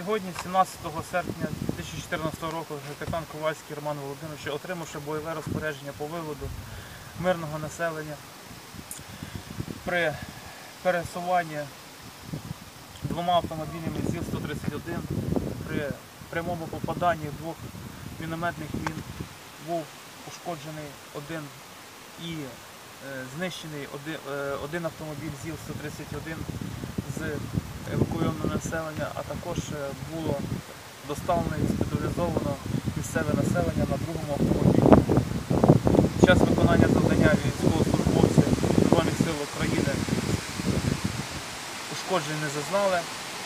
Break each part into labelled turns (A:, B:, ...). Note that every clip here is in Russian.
A: Сьогодні, 17 серпня 2014 року, капітан Ковальський Роман Володимирович, отримавши бойове розпорядження по виводу мирного населення при пересуванні двома автомобілями ЗІЛ-131, при прямому попаданні двох мінометних мін був ушкоджений один і знищений один автомобіль ЗІЛ-131 з евакуйованого населення, а також було доставлено і госпіталізовано місцеве населення на другому автомобілі. Під час виконання завдання військовослужбовці Збройних сил України ушкоджень не зазнали.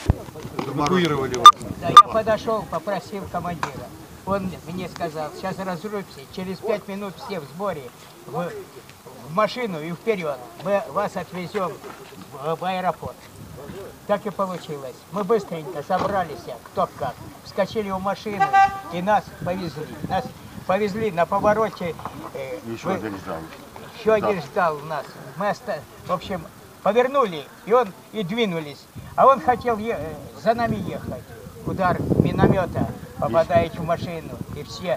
B: Да, я подошел, попросил командира. Он мне сказал, сейчас разрубимся, через 5 минут все в сборе, в машину и вперед. Мы вас отвезем в аэропорт. Так и получилось. Мы быстренько собрались, кто как, вскочили в машину и нас повезли. Нас повезли на повороте.
C: Еще один ждал.
B: Еще один ждал нас. Мы, в общем, повернули, и двинулись. А он хотел за нами ехать. Удар миномета попадает в машину, и все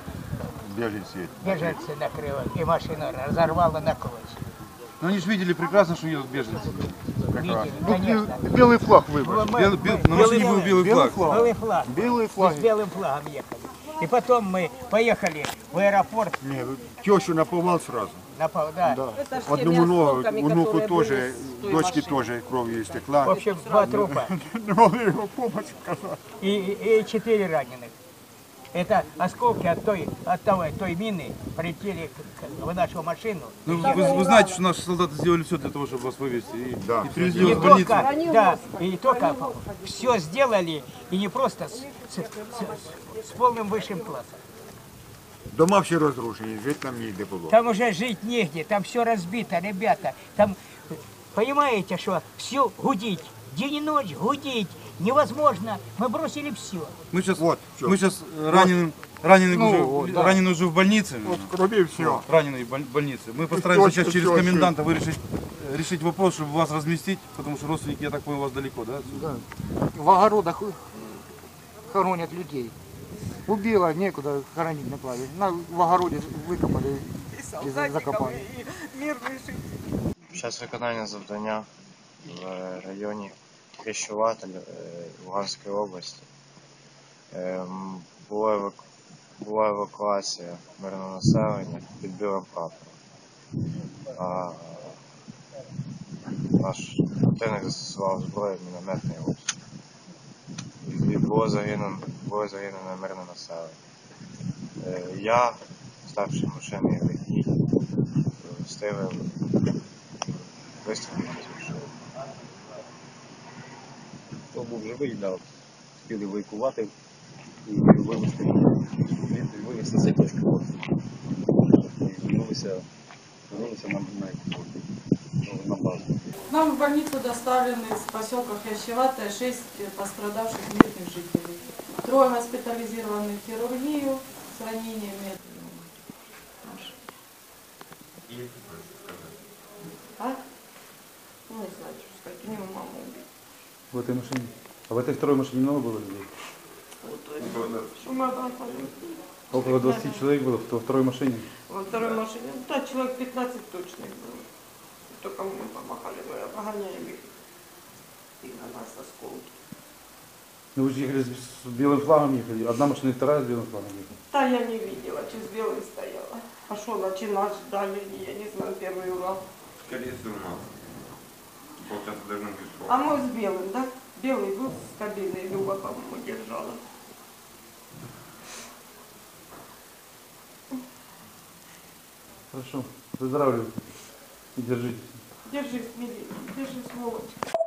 B: беженцы накрыло, и машину разорвало на клочья.
D: Но они же видели прекрасно, что едут беженцы.
B: Видели, конечно.
C: Белый флаг выбрали.
D: На машине был белый флаг.
B: Белый флаг.
C: Белый флаг.
B: Мы с белым флагом ехали. И потом мы поехали в аэропорт.
C: Нет, тещу наповал сразу.
B: Да.
C: Одному внуку тоже, дочке тоже кровью истекла.
B: В общем, 2 трупа.
C: Не могли его помощь оказать.
B: И 4 раненых. Это осколки от той мины прилетели в нашу машину.
D: Ну, вы знаете, что наши солдаты сделали все для того, чтобы вас вывести. И привезли
B: Не
D: вас в больницу.
B: только, и только все сделали, и не просто с полным высшим классом.
C: Дома все разрушені, жити там ніде було.
B: Там уже жить негде, там все разбито, ребята. Там, понимаете, что все гудить, день и ночь гудить невозможно. Мы бросили все.
D: Мы сейчас раненый уже в больнице.
C: Вот крови все.
D: Раненый в больнице. Мы постараемся сейчас через коменданта решить вопрос, чтобы вас разместить, потому что родственники, я так понял, у вас далеко, да?
E: Да. В огородах хоронят людей. Убило, некуда хоронить на плаве. В огороде викопали і закопали.
F: Під час виконання завдання в районі Хрещуватель Луганської області була евакуація мирного населення під білим прапором. Наш противник застосував зброю мінометний обстріл. І було загинено мирне населення. Я, ставши машиною водій, встигли вистрілити з машини.
G: Хто був живий, встигли евакувати і вивезти цей тяжко. Вернулися на базу.
H: Нам в больницу доставлены из поселка Хрящеватая 6 пострадавших мирных жителей. 3 госпитализированы в хирургию с ранениями. А? Ну, не знаю, что сказать. У него маму убили.
D: В этой машине. А в этой второй машине много было людей? Около 20 человек было во второй машине?
H: Во второй машине, да, человек 15 точно было. Только мы помахали, погоняем их. И на нас осколки.
D: Ну вы же ехали с белым флагом ехали. Одна машина и вторая с белым флагом ехали.
H: Да, я не видела, через белый стояла. А что, ночи нас ждали, я не знаю, первый Урал.
I: Скорее всего, у нас. Полчаса должно быть.
H: А мы с белым, да? Белый был с кабиной, Люба, по-моему, держала.
D: Хорошо. Выздоравливайте. И держитесь.
H: Держись, милый, держись, сволочь.